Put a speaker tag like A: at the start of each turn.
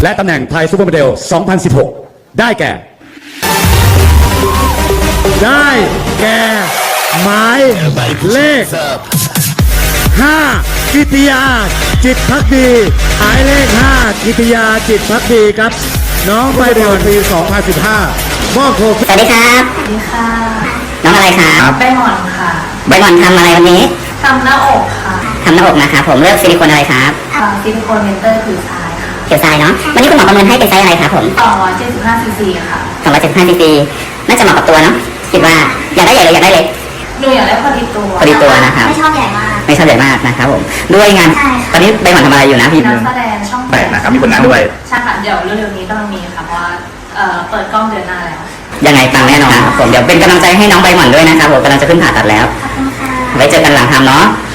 A: และตำแหน่งไทยซูเปอร์โมเดล 2016 ได้แก่ หมายเลข 5 กิติยา จิตภักดี หมายเลข 5 กิติยา จิตภักดีครับ น้องใบเดือนปี 2015 มอบโคม
B: สวัสดีครับ
C: สวัสดีค่ะ
B: น้องอะไรครับ
C: ใบหม่อนค่ะ
B: ใบหม่อนทำอะไรวันนี้
C: ทำหน้าอกค่ะ
B: ทำหน้าอกนะครับผมเลือกซิลิโคนอะไรครับ
C: ซิลิโคนเมนเตอร์ผิวซ้ายค่ะ
B: เขียวทรายเนาะวันนี้คุณหมอประเมินให้เป็นไซส์อะไรครับผม
C: 275 ซีซีค่ะ
B: 275ซีซีน่าจะเหมาะกับตัวเนาะคิดว่าอยากได้ใหญ่หรืออยากได้เล็ก
C: หนูอยากได้พอดีตัว
B: พอดีตัวนะครับ
D: ไม่ชอบใหญ่มาก
B: ไม่ชอบใหญ่มากนะครับผมด้วยงาน
D: ใช่ค่ะ
B: ตอนนี้ใบหม่อนทำอะไรอยู่นะพี่
C: นักแสดงช่อง
E: แปดนะครับมีผลงานด้วย
C: ใช่ค่ะเดี๋ยวเร็วๆนี้กำลังมีค่ะเพราะว่าเปิดกล้องเดือนหน้าแล้ว
B: ยังไงปังแน่นอนครับผมเดี๋ยวเป็นกำลังใจให้น้องใบหม่อนด้วยนะครับผมกำลังจะขึ้นผ่าตัดแล้ว
D: ขอบคุณค่ะ
B: ไว้เจอกันหลังทำเนาะ